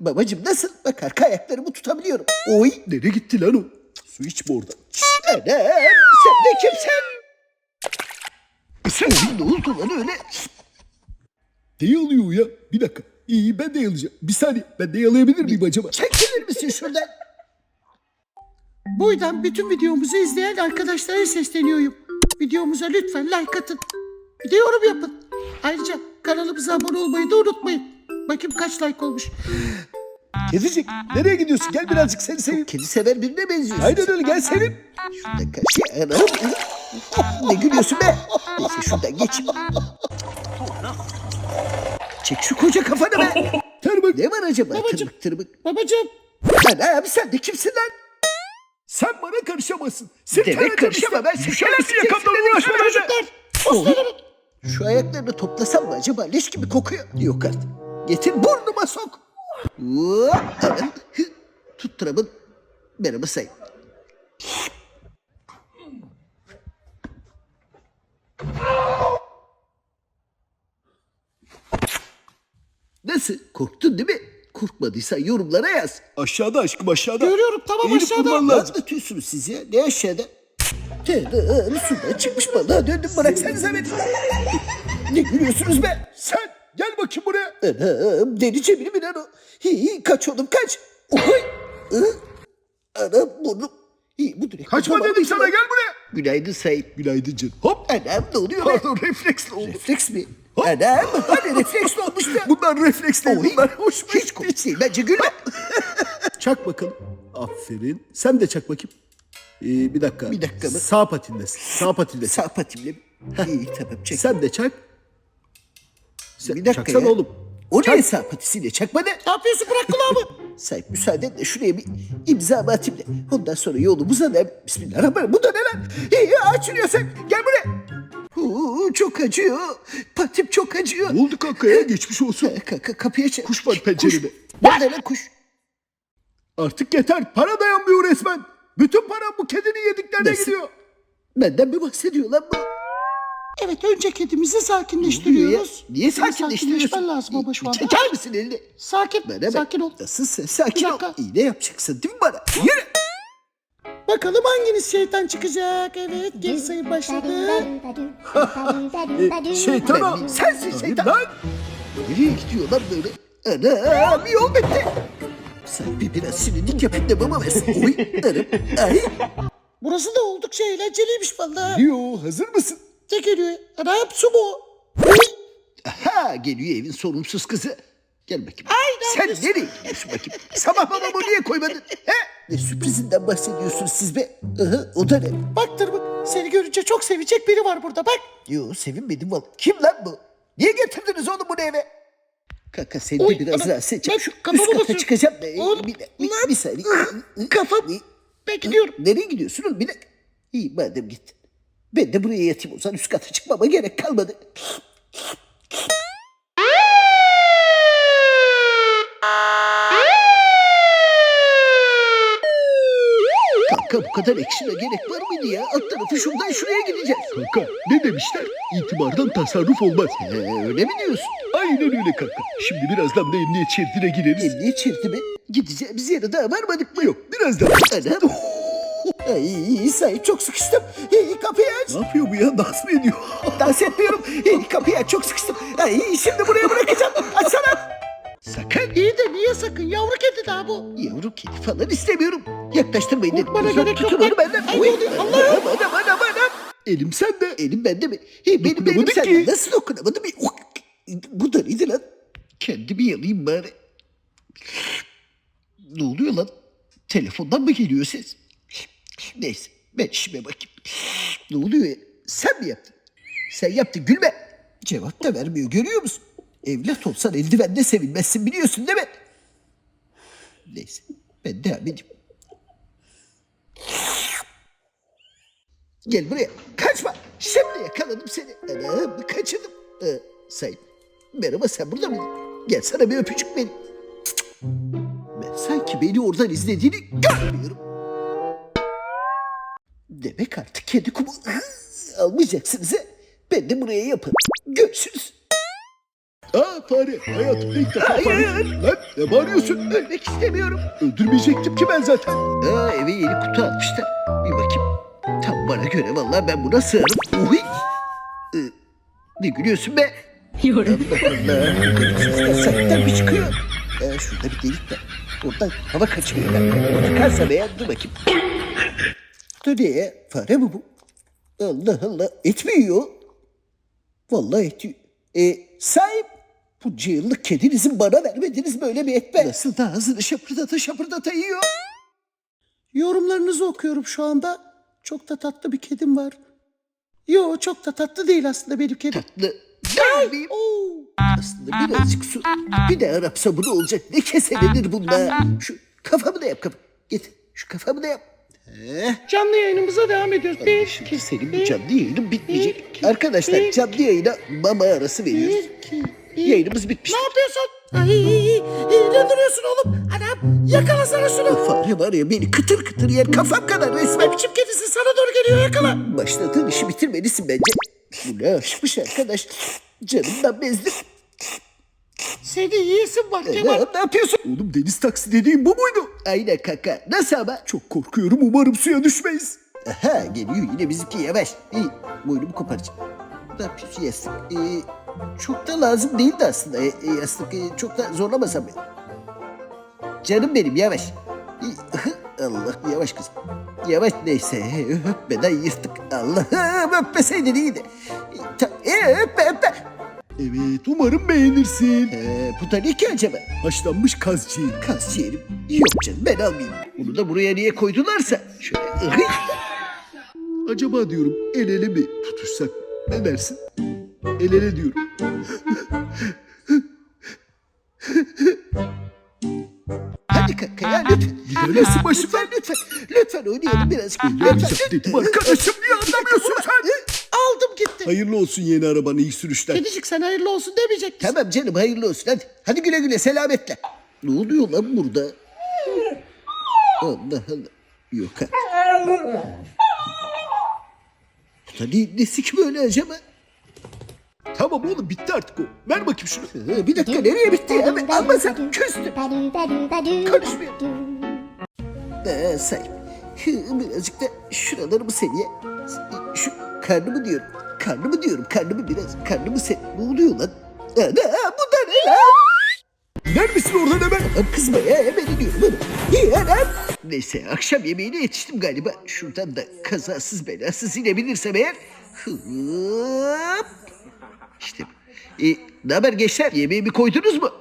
Babacım nasıl? Bak arka ayaklarımı tutabiliyorum. Oy. Nereye gitti lan o? Su içme oradan. Anam sen de kimsin? Oy ne oldu lan öyle? Ne yalıyor o ya? Bir dakika. İyi ben de yalayacağım. Bir saniye. Ben de yalayabilir miyim acaba? Çekilir misin şuradan? Bu yüzden bütün videomuzu izleyen arkadaşlara sesleniyorum. Videomuza lütfen like atın. Bir de yorum yapın. Ayrıca kanalımıza abone olmayı da unutmayın. Bakayım kaç like olmuş. Kedicik nereye gidiyorsun? Gel birazcık seni seveyim. Kedi sever birine benziyorsun. Aynen öyle gel seveyim. Şuradan karşıya anam. Ne gülüyorsun be? Neyse şuradan geç. Çek şu koca kafanı be. Tırmık. Ne var acaba? Babacım. Tırmık tırmık. Babacığım. Anam sen de kimsin lan? Sen bana karışamazsın. Seni Demek karışma ben Düşersin yakamdan uğraşma bence. Çocuklar. Şu ayaklarını toplasam mı acaba? Leş gibi kokuyor. Yok artık. Getir burnuma sok. Hop, anam. Hı. Tutturamın. Merhaba sayın. Nasıl? Korktun değil mi? Korkmadıysan yorumlara yaz. Aşağıda aşkım aşağıda. Görüyorum tamam Eğilip aşağıda. vurman Ne lazım. anlatıyorsunuz siz ya? Ne aşağıda? Sudan çıkmış balığa döndüm bıraksanıza beni. Ne gülüyorsunuz be? Sen gel bakayım buraya. Anam deli cebili mi lan o? Kaç oğlum kaç. Oy. Anam burnum. Bu direkt. Kaçma Tamam, dedim sana tamam. gel buraya. Günaydın sayın. Günaydın canım. Hop. Anam ne oluyor be? Pardon refleksle oldu. Refleks mi? Hop. Anam hani refleks mi olmuş be? Bunlar refleks değil. Oy. Bunlar hoşuma Hiç gitti. komik değil bence gülme. Çak bakalım. Aferin. Sen de çak bakayım. Bir dakika. Bir dakika mı? Sağ patindesin. Sağ patindesin. Sağ patimle mi? İyi tamam çek. Sen de çak. Sen, Bir dakika çaksana ya. oğlum. O Çak. ne sağ patisiyle çakma ne? Ne yapıyorsun bırak kulağımı. Sahip müsaadenle şuraya bir imza atayım da ondan sonra yolumuza da bismillahirrahmanirrahim. Bu da ne lan? Açılıyor sen. Gel buraya. Çok acıyor. Patim çok acıyor. Ne oldu kanka ya? Geçmiş olsun. Kapıya çek. Kuş var pencerede. Nerede lan kuş? Artık yeter. Para dayanmıyor resmen. Bütün param bu kedinin yediklerine Nasıl? gidiyor. Benden mi bahsediyor lan bu? Evet önce kedimizi Ya, sakinleştiriyoruz. niye Senin sakinleştiriyorsun? sakinleşmen lazım ama şu anda. Çeker misin elini? Sakin. Bana bak. Sakin ol. Nasıl sen sakin Bir ol. dakika. İğne yapacaksın değil mi bana? Yürü. Bakalım hanginiz şeytan çıkacak. Evet geri sayım başladı. Şeytan o. Sensin şeytan. Lan. Nereye gidiyor lan böyle? Anam yol bitti. Sahibi biraz sinirlik yapayım da baba versin. Oy anam. Ay. Burası da oldukça eğlenceliymiş vallahi. Diyor. Hazır mısın? Ne geliyor? Anam su mu? Aha geliyor evin sorumsuz kızı. Gel bakayım. Ay, Sen nerede? nereye gidiyorsun bakayım? Sabah babamı niye koymadın? He? Ne sürprizinden bahsediyorsunuz siz be? O da ne? Bak Tırmık seni görünce çok sevecek biri var burada bak. Yo sevinmedim valla. Kim lan bu? Niye getirdiniz oğlum bunu eve? Kaka seni de Oy, biraz anam, rahatsız edeceğim. ben Şu kafamı üst kata basıyorum. çıkacağım da. Oğlum, Bir saniye. Kafam. Ben gidiyorum. Nereye gidiyorsun oğlum? Bir dakika. İyi madem gittin. Ben de buraya yatayım o zaman üst kata çıkmama gerek kalmadı. Kanka bu kadar ekşine gerek var mıydı ya? Alt tarafı şuradan şuraya gideceğiz. Kanka ne demişler? İtibardan tasarruf olmaz. Öyle mi diyorsun? Aynen öyle kanka. Şimdi birazdan da emniyet şeridine gireriz. Emniyet şeridi mi? Gideceğimiz yere daha varmadık mı? Yok birazdan. Anam. Ay sahip çok sıkıştım. Kapıyı aç. Ne yapıyor bu ya? Dans mı ediyor? Dans etmiyorum. Kapıyı aç çok sıkıştım. Ay şimdi buraya bırakacağım. Açsana. Sakın. İyi de niye sakın yavru kedi daha bu. Yavru kedi falan istemiyorum. Yaklaştırmayın dedim. Korkmana Uzak gerek yok tutun onu lan. benden. Ay, Oy, ne oluyor? Allah'ım. Anam. Elim sende. Elim bende mi? Benim elim Dokunamadık sende. ki. Nasıl dokunamadım? Bu da neydi lan? Kendimi yalayayım bari. Ne oluyor lan? Telefondan mı geliyor ses? Neyse ben işime bakayım. Ne oluyor ya? Sen mi yaptın? Sen yaptın gülme. Cevap da vermiyor görüyor musun? Evlat olsan eldivenle sevinmezsin biliyorsun değil mi? Neyse ben devam edeyim. Gel buraya. Kaçma. Şimdi yakaladım seni. Anam kaçırdım. Sayın. Merhaba sen burada mıydın? Gel sana bir öpücük vereyim. Ben sanki beni oradan izlediğini görmüyorum. Demek artık kedi kumu almayacaksınız he. Ben de buraya yaparım. Görüşürüz. Aa fare. Hayatımda ilk defa Hayır. fare. Lan ne bağırıyorsun? Ölmek istemiyorum. Öldürmeyecektim ki ben zaten. Eve yeni kutu almışlar. Bir bakayım. Tam bana göre vallahi ben buna sığarım. Uy. Ne gülüyorsun be? Allah Allah. Sesler saktan bir çıkıyor. Şurada bir delik var. Oradan hava kaçırıyor. Ben tıkarsam eğer dur bakayım. Dur ne? Fare mi bu? Allah Allah. Et mi yiyor? Vallahi et yiyor. Sahip. Bunca yıllık kedinizin bana vermediniz böyle bir et be. Nasıl da ağzını şapırdata yiyor? Yorumlarınızı okuyorum şu anda. Çok da tatlı bir kedim var. Yo, çok da tatlı değil aslında benim kedim. Tatlı. Gelmeyeyim. Aslında birazcık su. Bir de Arap sabunu olacak. Ne keselenir bunda. Şu kafamı da yap kafamı. Getir. Şu kafamı da yap. Canlı yayınımıza devam ediyoruz. Bir, Şimdi iki, senin bu bir, canlı yayının bitmeyecek. iki, Arkadaşlar bir, canlı yayına mama arası veriyoruz. bir, iki, bir. Yayınımız bitmiş. Ne yapıyorsun? Ne duruyorsun oğlum? Anam yakalasana şunu. Fare var ya beni kıtır kıtır yer kafam kadar resmen. Ne biçim kedisi sana doğru geliyor, yakala. Başladığın işi bitirmelisin bence. Bu ne aşkmış arkadaş. Canımdan bezdim. Seni yiyesin var Kemal. Ne yapıyorsun? Oğlum deniz taksi dediğin bu muydu? Aynen kaka. Nasıl ama? Çok korkuyorum umarım suya düşmeyiz. Aha geliyor yine bizimki yavaş. İyi boynumu koparacağım. Ne yapıyorsun yastık? Çok da lazım değildi aslında yastık. Çok da zorlamasam beni. Canım benim yavaş. Allah yavaş kızım. Yavaş neyse öpmeden yırttık. Allah'ım öpmeseydin iyiydi. Öpme. Evet umarım beğenirsin. Bu da ne ki acaba? Haşlanmış kaz ciğeri. Kas ciğerim. Yok canım ben almayayım. Bunu da buraya niye koydularsa. Şöyle Acaba diyorum el ele mi tutuşsak? Ne dersin? El ele diyorum. Hadi kaka ya lütfen. Gidersin başımdan. Lütfen oynayalım birazcık. Oynayacağım dedim arkadaşım niye anlamıyorsun sen? Aldım gitti. Hayırlı olsun yeni arabanın iyi sürüşler. Kedicik sen hayırlı olsun demeyecek misin? Tamam canım hayırlı olsun hadi. Hadi güle güle selametle. Ne oluyor lan burada? Allah Allah. Yok artık. Bu da nesi ki böyle acaba? Tamam oğlum bitti artık o. Ver bakayım şunu. Bir dakika nereye bitti ya? Ben almasam küstüm. Konuşmuyor. Sahip. Birazcık da şuralarımı seviye. Şu karnımı diyorum. Karnımı biraz. Karnımı sev. Ne oluyor lan? Bu da ne lan? Gider misin oradan hemen? Kızma ya hemen iniyorum. İyi anam. Neyse akşam yemeğine yetiştim galiba. Şuradan da kazasız belasız inebilirsem eğer. Hıp. İşte bu. Ne haber gençler? Yemeğimi koydunuz mu?